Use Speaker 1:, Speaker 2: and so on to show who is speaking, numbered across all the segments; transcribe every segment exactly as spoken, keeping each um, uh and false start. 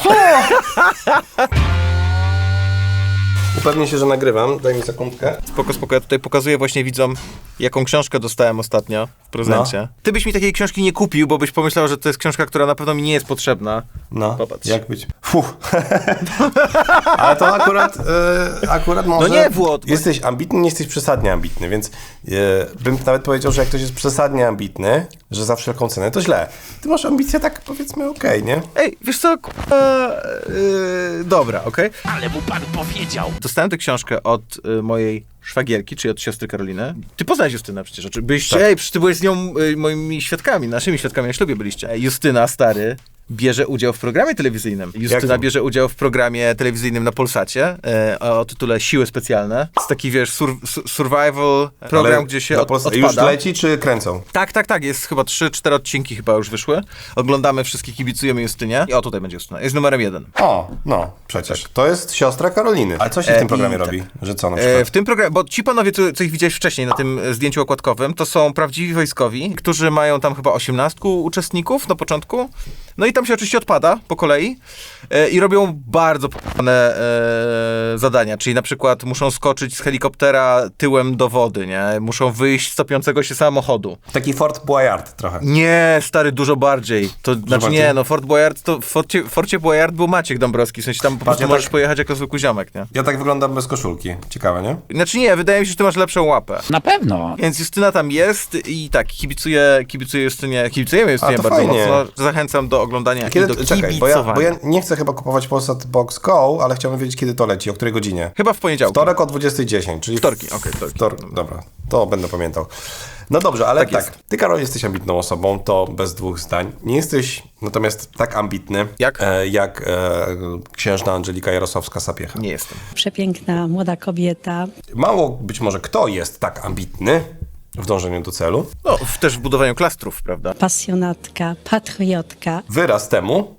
Speaker 1: Upewnię się, że nagrywam. Daj mi sekundkę.
Speaker 2: Spoko, spoko. Ja tutaj pokazuję właśnie widzom, jaką książkę dostałem ostatnio w prezencie. No. Ty byś mi takiej książki nie kupił, bo byś pomyślał, że to jest książka, która na pewno mi nie jest potrzebna.
Speaker 1: No,
Speaker 2: popatrz.
Speaker 1: Jak być? Fuh. Ale to akurat, e, akurat może...
Speaker 2: No nie, Włod.
Speaker 1: Jesteś ambitny, nie jesteś przesadnie ambitny, więc e, bym nawet powiedział, że jak ktoś jest przesadnie ambitny, że za wszelką cenę, to źle. Ty masz ambicje tak, powiedzmy, okej, okay, nie?
Speaker 2: Ej, wiesz co, k***a, yy, dobra, okej. Okay.
Speaker 3: Ale mu pan powiedział.
Speaker 2: Dostałem tę książkę od y, mojej szwagierki, czyli od siostry Karoliny. Ty poznałeś Justynę przecież. Czy byliście,
Speaker 1: tak.
Speaker 2: Ej, przecież ty byłeś z nią y, moimi świadkami, naszymi świadkami na ślubie byliście. Ej, Justyna, stary, bierze udział w programie telewizyjnym. Justyna
Speaker 1: Jakim?
Speaker 2: bierze udział w programie telewizyjnym na Polsacie e, o tytule Siły Specjalne. To jest taki, wiesz, sur, sur, survival program,
Speaker 1: Ale
Speaker 2: gdzie się
Speaker 1: na
Speaker 2: od,
Speaker 1: Polsce
Speaker 2: odpada.
Speaker 1: Już leci, czy kręcą?
Speaker 2: Tak, tak, tak. Jest chyba trzy, cztery odcinki chyba już wyszły. Oglądamy wszystkie, kibicujemy Justynie. I o, tutaj będzie Justyna. Jest numerem jeden.
Speaker 1: O, no, przecież. Tak. To jest siostra Karoliny. Ale co się w
Speaker 2: E,
Speaker 1: tym programie
Speaker 2: i
Speaker 1: robi?
Speaker 2: tak.
Speaker 1: Że co na przykład?
Speaker 2: E, w tym programie, bo ci panowie, co, co ich widziałeś wcześniej na tym zdjęciu okładkowym, to są prawdziwi wojskowi, którzy mają tam chyba osiemnastu uczestników na początku. No i tam się oczywiście odpada po kolei e, i robią bardzo p***ne e, zadania, czyli na przykład muszą skoczyć z helikoptera tyłem do wody, nie? Muszą wyjść z topiącego się samochodu.
Speaker 1: Taki Fort Boyard trochę.
Speaker 2: Nie, stary, dużo bardziej. To znaczy
Speaker 1: bardziej?
Speaker 2: nie, no Fort Boyard, to w Forcie, w Forcie Boyard był Maciek Dąbrowski, w sensie tam po prostu
Speaker 1: ja
Speaker 2: możesz
Speaker 1: tak-
Speaker 2: pojechać jako zwykły ziomek, nie?
Speaker 1: Ja tak wyglądam bez koszulki. Ciekawe, nie?
Speaker 2: Znaczy nie, wydaje mi się, że ty masz lepszą łapę.
Speaker 3: Na pewno.
Speaker 2: Więc Justyna tam jest i tak, kibicuję, kibicuję Justynie, kibicujemy Justynie
Speaker 1: to
Speaker 2: bardzo
Speaker 1: fajnie.
Speaker 2: mocno. Zachęcam do oglądania
Speaker 1: Kiedy,
Speaker 2: i do
Speaker 1: czekaj, bo
Speaker 2: kibicowania.
Speaker 1: ja, bo ja nie chcę chyba kupować Polsat Box Go, ale chciałbym wiedzieć, kiedy to leci, o której godzinie.
Speaker 2: Chyba w poniedziałek.
Speaker 1: Wtorek o dwudziestej dziesięć, czyli...
Speaker 2: Wtorki, okej, wtorki.
Speaker 1: Wtor... Dobra, to będę pamiętał. No dobrze, ale
Speaker 2: Tak
Speaker 1: tak,
Speaker 2: jest.
Speaker 1: ty, Karol, jesteś ambitną osobą, to bez dwóch zdań. Nie jesteś natomiast tak ambitny,
Speaker 2: Jak?
Speaker 1: E, jak e, księżna Angelika Jarosławska-Sapiecha.
Speaker 2: Nie jestem.
Speaker 4: Przepiękna, młoda kobieta.
Speaker 1: Mało być może kto jest tak ambitny w dążeniu do celu.
Speaker 2: No, w, też w budowaniu klastrów, prawda?
Speaker 4: Pasjonatka, patriotka.
Speaker 1: Wyraz temu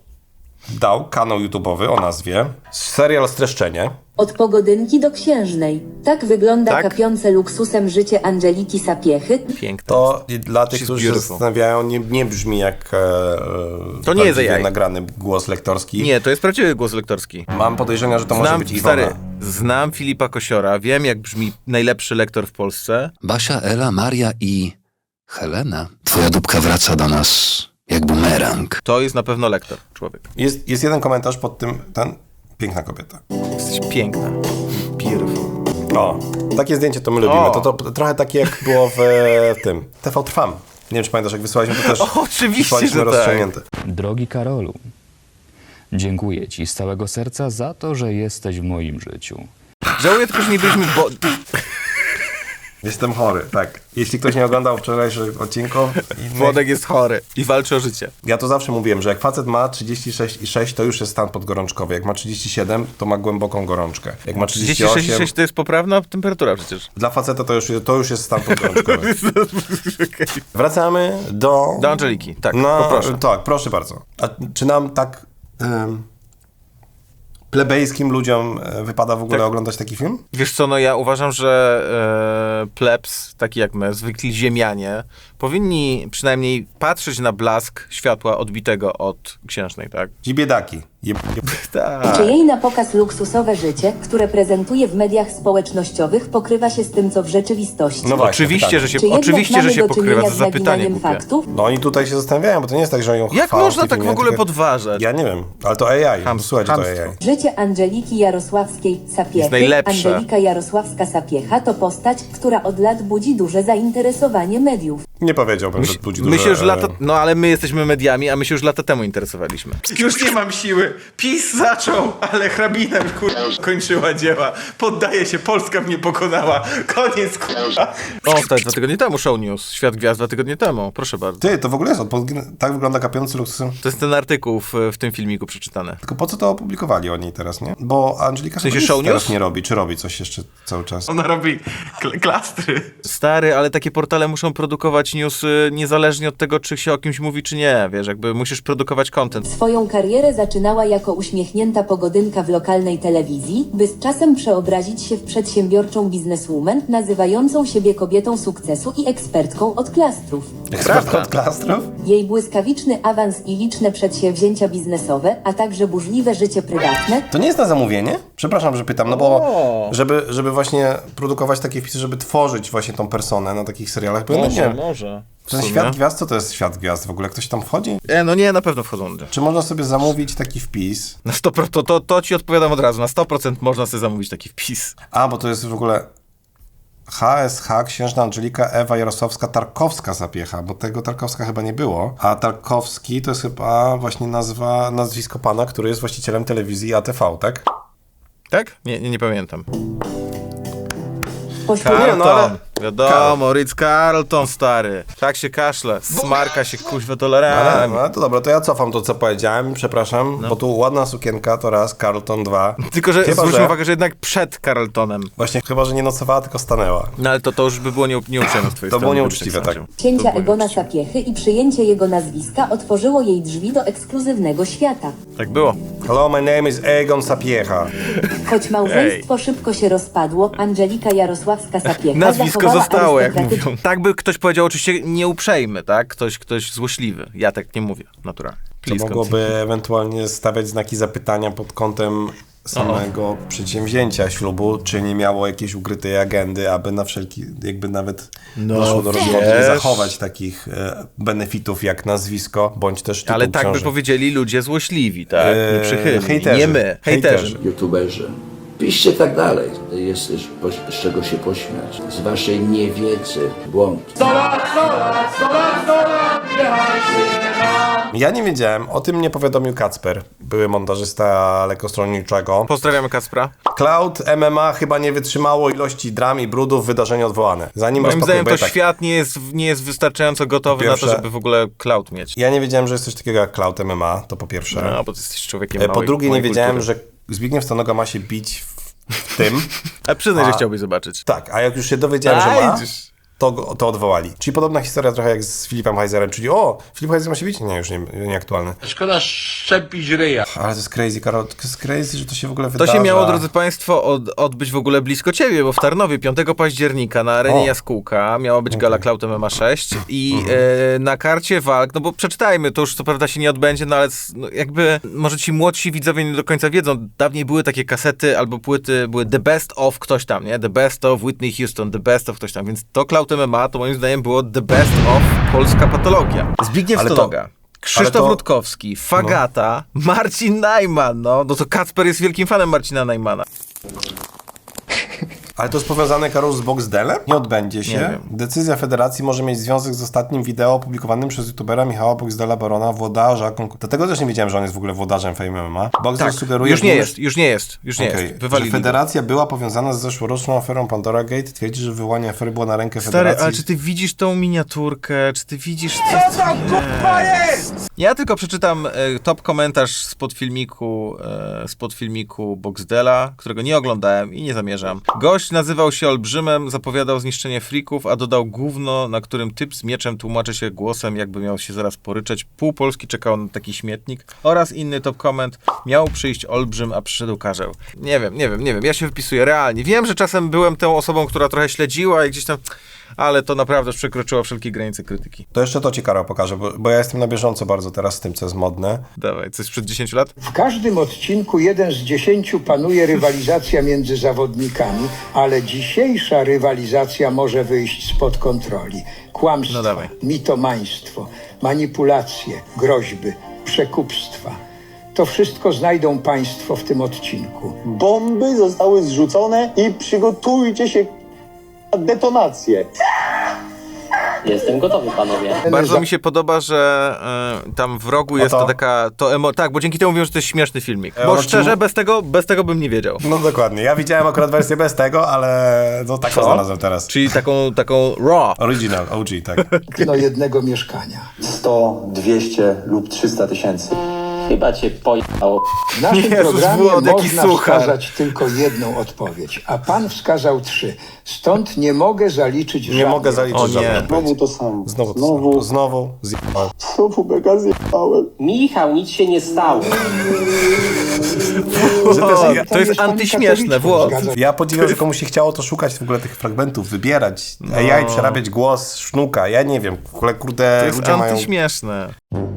Speaker 1: dał kanał YouTube'owy o nazwie Serial Streszczenie.
Speaker 5: Od pogodynki do księżnej. Tak wygląda
Speaker 2: Tak?
Speaker 5: kapiące luksusem życie Angeliki Sapiechy.
Speaker 2: Piękne.
Speaker 1: To dla tych,
Speaker 2: She's
Speaker 1: którzy się
Speaker 2: beautiful.
Speaker 1: zastanawiają, nie, nie brzmi jak e,
Speaker 2: To nie jest
Speaker 1: prawdziwie
Speaker 2: A I.
Speaker 1: nagrany głos lektorski.
Speaker 2: Nie, to jest prawdziwy głos lektorski.
Speaker 1: Mam podejrzenia, że to może
Speaker 2: Znam,
Speaker 1: być Iwona.
Speaker 2: stary, znam Filipa Kosiora, wiem jak brzmi najlepszy lektor w Polsce.
Speaker 6: Basia, Ela, Maria i Helena. Twoja dupka wraca do nas jak bumerang.
Speaker 2: To jest na pewno lektor, człowiek.
Speaker 1: Jest, jest jeden komentarz pod tym, ten, piękna kobieta.
Speaker 2: Jesteś piękna. Beautiful.
Speaker 1: O, takie zdjęcie to my lubimy.
Speaker 2: O.
Speaker 1: To, to trochę takie jak było w, w tym, T V Trwam. Nie wiem, czy pamiętasz, jak wysłaliśmy to też.
Speaker 2: O, oczywiście,
Speaker 1: wysłaliśmy
Speaker 2: że tak.
Speaker 1: rozciągnięte.
Speaker 7: Drogi Karolu, dziękuję Ci z całego serca za to, że jesteś w moim życiu.
Speaker 2: Żałuję tylko, że nie byliśmy, bo...
Speaker 1: Jestem chory, tak. Jeśli ktoś nie oglądał wczorajszych odcinków, innych,
Speaker 2: Włodek jest chory i walczy o życie.
Speaker 1: ja to zawsze mówiłem, że jak facet ma trzydzieści sześć i sześć, to już jest stan podgorączkowy. Jak ma trzydzieści siedem, to ma głęboką gorączkę. Jak ma trzydzieści
Speaker 2: trzydzieści sześć i
Speaker 1: osiem,
Speaker 2: sześć to jest poprawna temperatura przecież.
Speaker 1: dla faceta to już, to już jest stan podgorączkowy. Wracamy do...
Speaker 2: Do Angeliki, tak,
Speaker 1: No,
Speaker 2: poproszę.
Speaker 1: tak, proszę bardzo. A czy nam tak um, plebejskim ludziom e, wypada w ogóle
Speaker 2: Tak.
Speaker 1: oglądać taki film?
Speaker 2: Wiesz co, no ja uważam, że e, plebs, taki jak my, zwykli ziemianie, powinni przynajmniej patrzeć na blask światła odbitego od księżnej, tak?
Speaker 1: Ci biedaki. Je, je,
Speaker 2: Tak.
Speaker 5: Czy jej na pokaz luksusowe życie, które prezentuje w mediach społecznościowych, pokrywa się z tym, co w rzeczywistości?
Speaker 1: no właśnie,
Speaker 2: Oczywiście,
Speaker 1: pytanie.
Speaker 2: że się,
Speaker 5: Czy jednak
Speaker 2: oczywiście,
Speaker 5: mamy
Speaker 2: że się
Speaker 5: do
Speaker 2: pokrywa,
Speaker 5: czynienia
Speaker 2: za
Speaker 5: z
Speaker 2: zapytanie
Speaker 5: naginaniem
Speaker 2: głupie.
Speaker 5: faktów?
Speaker 1: No oni tutaj się zastanawiają, bo to nie jest tak, że ją
Speaker 2: Jak
Speaker 1: chwalą
Speaker 2: można
Speaker 1: tym
Speaker 2: tak w
Speaker 1: filmie,
Speaker 2: ogóle
Speaker 1: tylko-
Speaker 2: podważać?
Speaker 1: Ja nie wiem, ale to A I.
Speaker 2: Ham-
Speaker 1: Słuchajcie, to
Speaker 2: hamstwo.
Speaker 1: A I.
Speaker 5: Życie Angeliki Jarosławskiej Sapiechy.
Speaker 2: Jest najlepsze.
Speaker 5: Angelika Jarosławska-Sapiecha to postać, która od lat budzi duże zainteresowanie mediów.
Speaker 1: Nie powiedziałbym, że budzi duże...
Speaker 2: My się już
Speaker 1: e,
Speaker 2: lata... No ale my jesteśmy mediami, a my się już lata temu interesowaliśmy. Już nie mam siły. PiS zaczął, ale hrabina kur... kończyła dzieła. Poddaje się, Polska mnie pokonała. Koniec kur... O, to jest dwa tygodnie temu Show News. Świat Gwiazd dwa tygodnie temu. Proszę bardzo.
Speaker 1: Ty, to w ogóle jest, odpo- tak wygląda kapiący luksusem.
Speaker 2: To jest ten artykuł w, w tym filmiku przeczytany.
Speaker 1: Tylko po co to opublikowali oni teraz, nie? Bo Angelika
Speaker 2: W sensie
Speaker 1: chyba nic
Speaker 2: Show
Speaker 1: teraz
Speaker 2: News?
Speaker 1: nie robi, czy robi coś jeszcze cały czas?
Speaker 2: Ona robi kl- klastry. Stary, ale takie portale muszą produkować produkować newsy niezależnie od tego, czy się o kimś mówi, czy nie, wiesz, jakby musisz produkować content.
Speaker 5: Swoją karierę zaczynała jako uśmiechnięta pogodynka w lokalnej telewizji, by z czasem przeobrazić się w przedsiębiorczą bizneswoman, nazywającą siebie kobietą sukcesu i ekspertką od klastrów.
Speaker 1: Ekspertka od klastrów?
Speaker 5: Jej błyskawiczny awans i liczne przedsięwzięcia biznesowe, a także burzliwe życie prywatne
Speaker 1: To nie jest na zamówienie? Przepraszam, że pytam, no bo żeby, żeby właśnie produkować takie wpisy, żeby tworzyć właśnie tą personę na takich serialach, bo ja nie wiem,
Speaker 2: może.
Speaker 1: ten świat gwiazd, co to jest świat gwiazd w ogóle? Ktoś tam wchodzi?
Speaker 2: E, no nie, na pewno wchodzą.
Speaker 1: Czy można sobie zamówić taki wpis?
Speaker 2: Na sto procent, to, to, to ci odpowiadam od razu, na sto procent można sobie zamówić taki wpis.
Speaker 1: A, bo to jest w ogóle H S H, Księżna Angelika, Ewa Jarosławska, Tarkowska Sapiecha, bo tego Tarkowska chyba nie było. A Tarkowski to jest chyba właśnie nazwa, nazwisko pana, który jest właścicielem telewizji A T V, tak?
Speaker 2: Tak? Nie, nie, nie pamiętam.
Speaker 5: pośród
Speaker 1: Nie,
Speaker 2: Carlton,
Speaker 1: no ale-
Speaker 2: wiadomo, Ritz Carlton, stary. Tak się kaszle, smarka się kuźwa
Speaker 1: Ale,
Speaker 2: dolarami.
Speaker 1: no to dobra, to ja cofam to, co powiedziałem, przepraszam,
Speaker 2: No.
Speaker 1: bo tu ładna sukienka, to raz, Carlton dwa.
Speaker 2: Tylko, że
Speaker 1: Chyba,
Speaker 2: zwróćmy
Speaker 1: że-
Speaker 2: uwagę, że jednak przed Carltonem.
Speaker 1: Właśnie, chyba, że nie nocowała, tylko stanęła.
Speaker 2: No ale to, to już by było nie, nieuprzejme z twojej
Speaker 1: To
Speaker 2: strony.
Speaker 1: było
Speaker 2: gdybyś
Speaker 1: nieuczciwe,
Speaker 2: sądził.
Speaker 1: tak.
Speaker 5: księcia
Speaker 2: To było
Speaker 5: Egona
Speaker 2: nieuczciwe.
Speaker 5: Sapiechy i przyjęcie jego nazwiska otworzyło jej drzwi do ekskluzywnego świata.
Speaker 2: Tak było.
Speaker 1: Hello, my name is Egon Sapiecha.
Speaker 5: Choć małżeństwo szybko się rozpadło, Angelika Jarosławska Sapiecha
Speaker 2: Nazwisko
Speaker 5: zachowała
Speaker 2: zostało, jak
Speaker 5: arystokratyczny-
Speaker 2: mówią. Tak by ktoś powiedział, oczywiście nieuprzejmy, tak? Ktoś, ktoś złośliwy. Ja tak nie mówię, naturalnie.
Speaker 1: To
Speaker 2: Please
Speaker 1: mogłoby ewentualnie stawiać znaki zapytania pod kątem samego przedsięwzięcia ślubu, czy nie miało jakiejś ukrytej agendy, aby na wszelki, jakby nawet doszło do rozwodu, nie
Speaker 2: wiesz.
Speaker 1: zachować takich e, benefitów jak nazwisko, bądź też tytuł
Speaker 2: Ale tak by
Speaker 1: książek.
Speaker 2: powiedzieli ludzie złośliwi, tak?
Speaker 1: Eee,
Speaker 2: Nieprzychylni.
Speaker 1: hejterzy.
Speaker 2: Nie my, hejterzy.
Speaker 1: Hejterzy.
Speaker 3: youtuberzy. Piszcie tak dalej. Jest też po- z czego się pośmiać. Z waszej niewiedzy, błąd.
Speaker 1: Ja nie wiedziałem, o tym mnie powiadomił Kacper, były montażysta lekostronniczego.
Speaker 2: Pozdrawiamy Kacpra.
Speaker 1: Cloud M M A chyba nie wytrzymało ilości dram i brudów, wydarzenie odwołane. Zanim
Speaker 2: Moim
Speaker 1: rozpakuje,
Speaker 2: zdaniem
Speaker 1: bo
Speaker 2: to
Speaker 1: ja tak-
Speaker 2: świat nie jest, nie jest wystarczająco gotowy
Speaker 1: Po pierwsze-
Speaker 2: na to, żeby w ogóle cloud mieć.
Speaker 1: Ja nie wiedziałem, że jest coś takiego jak Cloud M M A, to po pierwsze.
Speaker 2: No, bo ty jesteś człowiekiem
Speaker 1: E, Po
Speaker 2: małej,
Speaker 1: drugie, nie
Speaker 2: małej
Speaker 1: wiedziałem,
Speaker 2: kultury.
Speaker 1: że Zbigniew Stanoga ma się bić w, w tym.
Speaker 2: A przyznaj, że
Speaker 1: A-
Speaker 2: chciałbyś zobaczyć.
Speaker 1: Tak, a jak już się dowiedziałem,
Speaker 2: A,
Speaker 1: że ma,
Speaker 2: idziesz.
Speaker 1: to, go- to odwołali. Czyli podobna historia trochę jak z Filipem Heizerem, czyli o, Filip Heizer ma się bić? Nie, już nie, nieaktualne.
Speaker 8: Szkoda szczepić ryja.
Speaker 1: Ale to jest crazy, Karol, to jest crazy, że to się w ogóle
Speaker 2: To
Speaker 1: wydarza.
Speaker 2: się miało, drodzy Państwo, od, odbyć w ogóle blisko Ciebie, bo w Tarnowie piątego października na arenie
Speaker 1: O.
Speaker 2: Jaskółka miała być gala Cloud M M A sześć i
Speaker 1: Mhm.
Speaker 2: e, na karcie walk, no bo przeczytajmy, to już co prawda się nie odbędzie, no ale s- no, jakby może ci młodsi widzowie nie do końca wiedzą, dawniej były takie kasety albo płyty, były The Best of ktoś tam, nie? The Best of Whitney Houston, The Best of ktoś tam, więc to Cloud M M A to moim zdaniem było The Best of polska patologia. Zbigniew
Speaker 1: Ale to-
Speaker 2: Stonoga. Krzysztof
Speaker 1: ale to-
Speaker 2: Rutkowski, Fagata, Marcin Najman, no, no to Kacper jest wielkim fanem Marcina Najmana.
Speaker 1: Ale to jest powiązane, Karol, z Boxdelem? Nie odbędzie się.
Speaker 2: Nie wiem.
Speaker 1: Decyzja federacji może mieć związek z ostatnim wideo opublikowanym przez youtubera Michała Boxdela Barona, włodarza konkur- Dlatego też nie wiedziałem, że on jest w ogóle włodarzem Fame M M A. Boxdel
Speaker 2: Tak,
Speaker 1: sugeruje,
Speaker 2: już
Speaker 1: że
Speaker 2: nie
Speaker 1: numer-
Speaker 2: jest, już nie jest, już nie
Speaker 1: Okej,
Speaker 2: jest.
Speaker 1: że
Speaker 2: Wywalili.
Speaker 1: federacja była powiązana z zeszłoroczną aferą Pandora Gate. Twierdzi, że wyłanie afery było na rękę
Speaker 2: Stary,
Speaker 1: federacji.
Speaker 2: ale czy ty widzisz tą miniaturkę? Czy ty widzisz, co to jest? Ja tylko przeczytam e, top komentarz spod filmiku, e, spod filmiku Boxdela, którego nie oglądałem i nie zamierzam. Gość nazywał się Olbrzymem, zapowiadał zniszczenie frików, a dodał gówno, na którym typ z mieczem tłumaczy się głosem, jakby miał się zaraz poryczeć. Pół Polski czekało na taki śmietnik. Oraz inny top koment. Miał przyjść Olbrzym, a przyszedł Karzeł. Nie wiem, nie wiem, nie wiem. Ja się wypisuję realnie. Wiem, że czasem byłem tą osobą, która trochę śledziła i gdzieś tam... Ale to naprawdę przekroczyło wszelkie granice krytyki.
Speaker 1: To jeszcze to ci, Karol, pokażę, bo, bo ja jestem na bieżąco bardzo teraz z tym, co jest modne.
Speaker 2: Dawaj, coś sprzed dziesięciu lat?
Speaker 9: W każdym odcinku jeden z dziesięciu panuje rywalizacja między zawodnikami, ale dzisiejsza rywalizacja może wyjść spod kontroli. Kłamstwo,
Speaker 2: No dawaj.
Speaker 9: mitomaństwo, manipulacje, groźby, przekupstwa. To wszystko znajdą Państwo w tym odcinku.
Speaker 10: Bomby zostały zrzucone i przygotujcie się na detonację.
Speaker 11: Jestem gotowy, panowie.
Speaker 2: Bardzo mi się podoba, że y, tam w rogu jest
Speaker 1: to?
Speaker 2: to taka... To emo- tak, bo dzięki temu mówią, że to jest śmieszny filmik.
Speaker 1: E,
Speaker 2: Bo
Speaker 1: ono ci
Speaker 2: szczerze,
Speaker 1: mu-
Speaker 2: bez tego, bez tego bym nie wiedział.
Speaker 1: No dokładnie. Ja widziałem akurat wersję bez tego, ale no tak to znalazłem teraz.
Speaker 2: Czyli taką, taką raw.
Speaker 1: Original, O G, tak.
Speaker 9: Do jednego mieszkania.
Speaker 10: sto, dwieście lub trzysta tysięcy.
Speaker 11: Chyba cię pojechało.
Speaker 9: W naszym
Speaker 2: Jezus,
Speaker 9: programie
Speaker 2: Włod, jaki
Speaker 9: można
Speaker 2: suchar.
Speaker 9: wskazać tylko jedną odpowiedź, a pan wskazał trzy. Stąd nie mogę zaliczyć
Speaker 1: Nie
Speaker 9: żadnej.
Speaker 1: mogę zaliczyć
Speaker 2: O nie.
Speaker 1: żadnej
Speaker 10: Znowu
Speaker 1: odpowiedzi.
Speaker 10: to samo.
Speaker 1: Znowu to
Speaker 10: Znowu,
Speaker 1: samo. Znowu zjebałem.
Speaker 10: znowu mega zjebałem.
Speaker 11: Michał, nic się nie stało.
Speaker 1: Że też
Speaker 2: O,
Speaker 1: ja,
Speaker 2: to jest
Speaker 9: pani
Speaker 2: antyśmieszne,
Speaker 9: katoliczką,
Speaker 2: Włod.
Speaker 9: zgadza
Speaker 1: ja podziwiam, że komuś się chciało to szukać w ogóle tych fragmentów, wybierać A I, przerabiać głos, sznuka, ja nie wiem, w ogóle kurde
Speaker 2: To jest
Speaker 1: ludzie mają...
Speaker 2: antyśmieszne.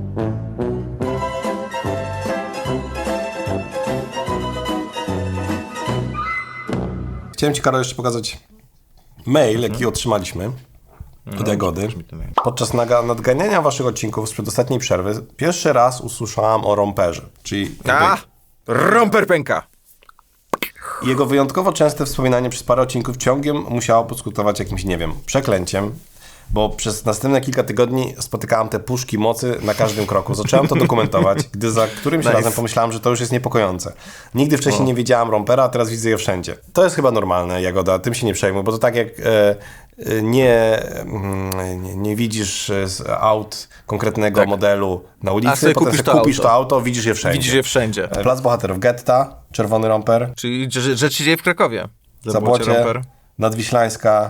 Speaker 1: Chciałem ci, Karol, jeszcze pokazać mail, jaki otrzymaliśmy od Jagody. Podczas naga- nadganiania waszych odcinków sprzed ostatniej przerwy pierwszy raz usłyszałam o romperze, czyli jakby
Speaker 2: A! Romper pęka!
Speaker 1: jego wyjątkowo częste wspominanie przez parę odcinków ciągiem musiało poskutkować jakimś, nie wiem, przeklęciem, bo przez następne kilka tygodni spotykałem te puszki mocy na każdym kroku. Zacząłem to dokumentować, gdy za którymś
Speaker 2: Nice.
Speaker 1: razem pomyślałem, że to już jest niepokojące. Nigdy wcześniej nie widziałem rompera, a teraz widzę je wszędzie. To jest chyba normalne, Jagoda, tym się nie przejmuj, bo to tak jak e, e, nie, mm, nie, nie widzisz e, z aut konkretnego
Speaker 2: Tak.
Speaker 1: modelu na
Speaker 2: A
Speaker 1: ulicy,
Speaker 2: sobie
Speaker 1: potem
Speaker 2: kupisz
Speaker 1: sobie
Speaker 2: to
Speaker 1: kupisz
Speaker 2: auto.
Speaker 1: to auto, widzisz je wszędzie.
Speaker 2: Widzisz je wszędzie.
Speaker 1: Plac Bohaterów Getta, czerwony romper,
Speaker 2: Czyli że- rzecz się dzieje w Krakowie.
Speaker 1: Zabłocie,
Speaker 2: romper.
Speaker 1: Nadwiślańska,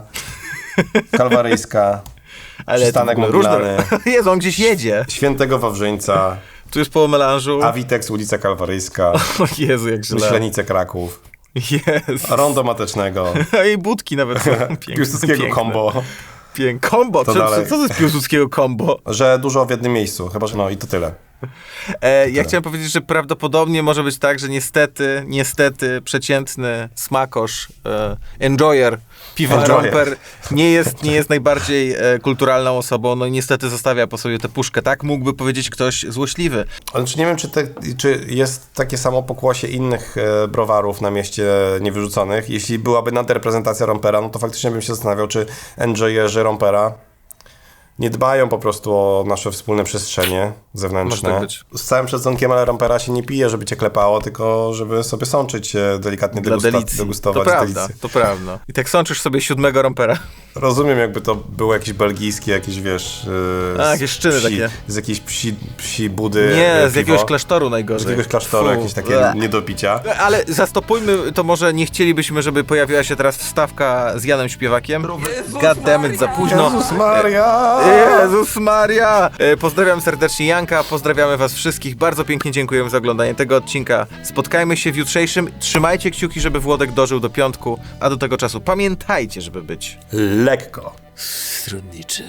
Speaker 1: Kalwaryjska,
Speaker 2: Ale to w
Speaker 1: przystanek
Speaker 2: ogóle
Speaker 1: modularny,
Speaker 2: różne... Jezu, on gdzieś jedzie.
Speaker 1: Świętego Wawrzyńca,
Speaker 2: Tu jest po melanżu.
Speaker 1: Avitex, ulica Kalwaryjska,
Speaker 2: O Jezu, jak źle.
Speaker 1: Myślenice Kraków,
Speaker 2: Jezu.
Speaker 1: Rondo Matecznego,
Speaker 2: I budki nawet są piękne.
Speaker 1: Piłsudskiego
Speaker 2: piękne.
Speaker 1: combo,
Speaker 2: Pięk. Kombo.
Speaker 1: Co
Speaker 2: Co, co,
Speaker 1: dalej?
Speaker 2: co to jest Piłsudskiego kombo?
Speaker 1: że dużo w jednym miejscu, chyba, że no i to tyle.
Speaker 2: E, ja chciałem powiedzieć, że prawdopodobnie może być tak, że niestety, niestety przeciętny smakosz, e, enjoyer piwa
Speaker 1: Enjoyer.
Speaker 2: romper nie jest, nie jest najbardziej e, kulturalną osobą, no i niestety zostawia po sobie tę puszkę, tak? Mógłby powiedzieć ktoś złośliwy.
Speaker 1: Znaczy nie wiem, czy, te, czy jest takie samo pokłosie innych e, browarów na mieście niewyrzuconych. Jeśli byłaby nadreprezentacja rompera, no to faktycznie bym się zastanawiał, czy enjoyerzy rompera nie dbają po prostu o nasze wspólne przestrzenie zewnętrzne.
Speaker 2: Może tak być.
Speaker 1: Z całym szacunkiem, ale rompera się nie pije, żeby cię klepało, tylko żeby sobie sączyć, e, delikatnie
Speaker 2: Dla
Speaker 1: degusta-
Speaker 2: delicji.
Speaker 1: degustować
Speaker 2: To prawda,
Speaker 1: delicję.
Speaker 2: to prawda. I tak sączysz sobie siódmego rompera.
Speaker 1: Rozumiem, jakby to było jakieś belgijskie, jakieś wiesz... e,
Speaker 2: A,
Speaker 1: z
Speaker 2: jakieś szczyny
Speaker 1: psi,
Speaker 2: takie.
Speaker 1: Z jakiejś psi, psi budy
Speaker 2: Nie,
Speaker 1: e,
Speaker 2: z
Speaker 1: piwo.
Speaker 2: jakiegoś klasztoru najgorzej.
Speaker 1: Z jakiegoś klasztoru,
Speaker 2: Fu.
Speaker 1: jakieś takie
Speaker 2: Bleh.
Speaker 1: nie do picia.
Speaker 2: Ale zastopujmy, to może nie chcielibyśmy, żeby pojawiła się teraz wstawka z Janem Śpiewakiem. Goddammit, za późno.
Speaker 1: Jezus Maria!
Speaker 2: Jezus Maria! E, Pozdrawiam serdecznie Janka, pozdrawiamy was wszystkich. Bardzo pięknie dziękujemy za oglądanie tego odcinka. Spotkajmy się w jutrzejszym. Trzymajcie kciuki, żeby Włodek dożył do piątku, a do tego czasu pamiętajcie, żeby być
Speaker 1: Lekko.
Speaker 2: stronniczy.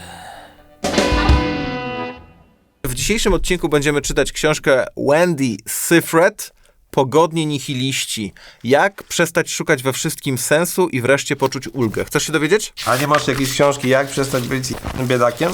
Speaker 2: W dzisiejszym odcinku będziemy czytać książkę Wendy Sifret Pogodni nihiliści. Jak przestać szukać we wszystkim sensu i wreszcie poczuć ulgę. Chcesz się dowiedzieć?
Speaker 1: A nie masz jakiejś książki, jak przestać być biedakiem?